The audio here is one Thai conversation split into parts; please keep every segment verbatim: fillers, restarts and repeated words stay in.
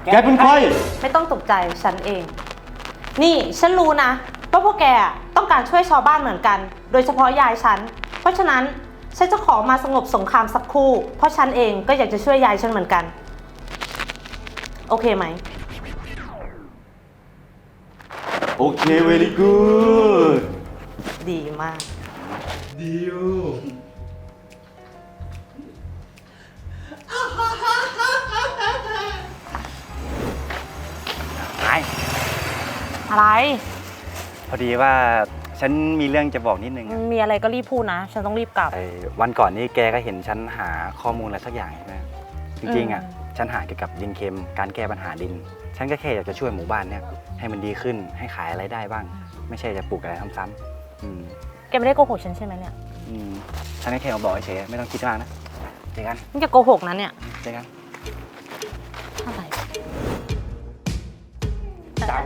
แกเป็นใครไม่ต้องตกใจฉันเอง นี่ฉันรู้นะว่าพวกแกต้องการช่วยชาวบ้านเหมือนกัน โดยเฉพาะยายฉัน เพราะฉะนั้นฉันจะขอมาสงบสงครามสักครู่ เพราะฉันเองก็อยากจะช่วยยายฉันเหมือนกัน โอเคไหมโอเค very good ดีมากดีอยู่ไอ้อะไรพอดีว่าฉันมีเรื่องจะบอกนิดนึงมีอะไรก็รีบพูดนะ ฉันต้องรีบกลับไอ้วันก่อนนี้แกก็เห็นฉันหาข้อมูลอะไรสักอย่างใช่ไหมจริงๆอ่ะฉันหาเกี่ยวกับดินเค็มการแก้ปัญหาดิน ฉันก็แค่อยากจะช่วยหมู่บ้านเนี่ยให้มันดีขึ้นให้ขายอะไรได้บ้าง ไม่ใช่จะปลูกอะไรซ้ำๆอืมแกไม่ได้โกหกฉันใช่ไหมเนี่ยอืมฉันก็แค่มาบอกเฉยๆไม่ต้องคิดมากนะเจอกันนี่แกโกหกนะเนี่ยเจอกันอะไรจัง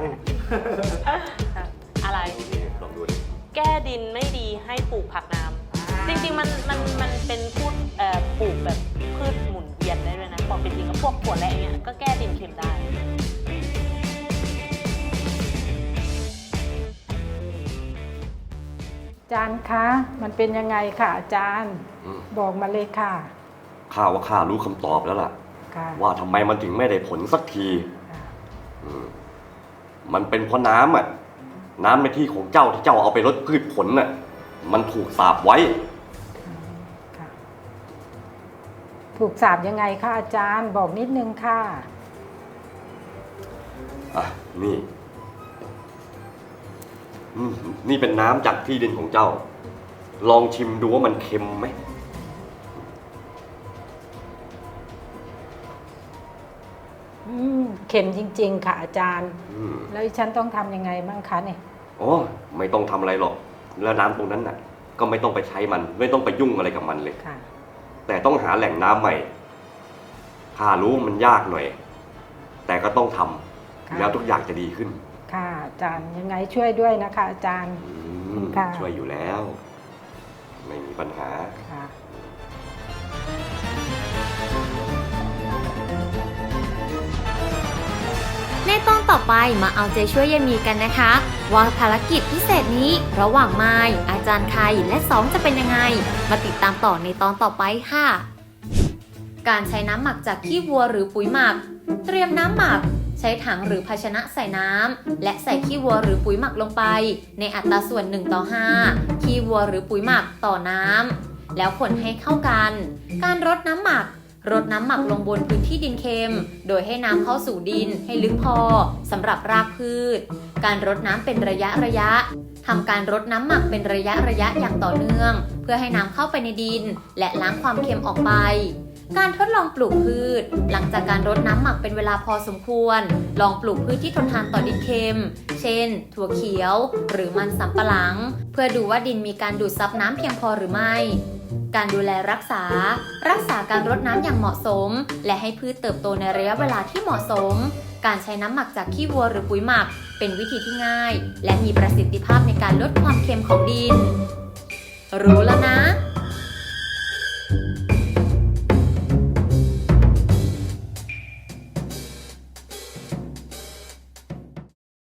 อะไรลองดูดิแก้ดินไม่ดีให้ปลูกผักน้ำจริงๆมันมันมันเป็นพืชเอ่อปลูกแบบพืชหมุนเวียนได้ด้วยนะบอกเป็นจริงก็พวกถั่วแระเนี่ยก็แก้ดินเค็มได้อาจารย์คะมันเป็นยังไงค่ะอาจารย์บอกมาเลยค่ะข้าว่าข้ารู้คำตอบแล้วล่ะค่ะว่าทำไมมันถึงไม่ได้ผลสักทีอืมมันเป็นเพราะน้ำอ่ะ น้ำในที่ของเจ้าที่เจ้าเอาไปลดพืชผลน่ะ มันถูกสาปไว้ค่ะถูกสาบยังไงคะอาจารย์บอกนิดนึงค่ะอ่ะ นี่อืมนี่เป็นน้ำจากที่ดินของเจ้า ลองชิมดูว่ามันเค็มไหมอืมเข็มจริงๆค่ะอาจารย์อืมแล้วฉันต้องทำยังไงบ้างคะเนี่ยอ๋อไม่ต้องทำอะไรหรอก แล้วน้ำตรงนั้นน่ะ ก็ไม่ต้องไปใช้มัน ไม่ต้องไปยุ่งอะไรกับมันเลยค่ะแต่ต้องหาแหล่งน้ำใหม่ข้ารู้มันยากหน่อย แต่ก็ต้องทำค่ะแล้วทุกอย่างจะดีขึ้นค่ะอาจารย์ยังไงช่วยด้วยนะคะอาจารย์อืมค่ะช่วยอยู่แล้ว ไม่มีปัญหาค่ะในตอนต่อไปมาเอาใจช่วยยายมีกันนะคะว่าภารกิจพิเศษนี้ระหว่างไม้อาจารย์ไข่และสองจะเป็นยังไง มาติดตามต่อในตอนต่อไปค่ะ การใช้น้ำหมักจากขี้วัวหรือปุ๋ยหมัก เตรียมน้ำหมัก ใช้ถังหรือภาชนะใส่น้ำและใส่ขี้วัวหรือปุ๋ยหมักลงไป ในอัตราส่วนหนึ่งต่อห้าขี้วัวหรือปุ๋ยหมักต่อน้ำแล้วคนให้เข้ากัน การรดน้ำหมัก รดน้ำหมักลงบนพื้นที่ดินเค็ม โดยให้น้ำเข้าสู่ดินให้ลึกพอสำหรับรากพืช การรดน้ำเป็นระยะระยะทำการรดน้ำหมักเป็นระยะระยะอย่างต่อเนื่อง เพื่อให้น้ำเข้าไปในดิน และล้างความเค็มออกไป การทดลองปลูกพืช หลังจากการรดน้ำหมักเป็นเวลาพอสมควร ลองปลูกพืชที่ทนทานต่อดินเค็ม เช่น ถั่วเขียว หรือมันสำปะหลัง เพื่อดูว่าดินมีการดูดซับน้ำเพียงพอหรือไม่ การดูแลรักษา รักษาการรดน้ำอย่างเหมาะสม และให้พืชเติบโตในระยะเวลาที่เหมาะสม การใช้น้ำหมักจากขี้วัวหรือปุ๋ยหมัก เป็นวิธีที่ง่าย และมีประสิทธิภาพในการลดความเค็มของดิน รู้แล้วนะ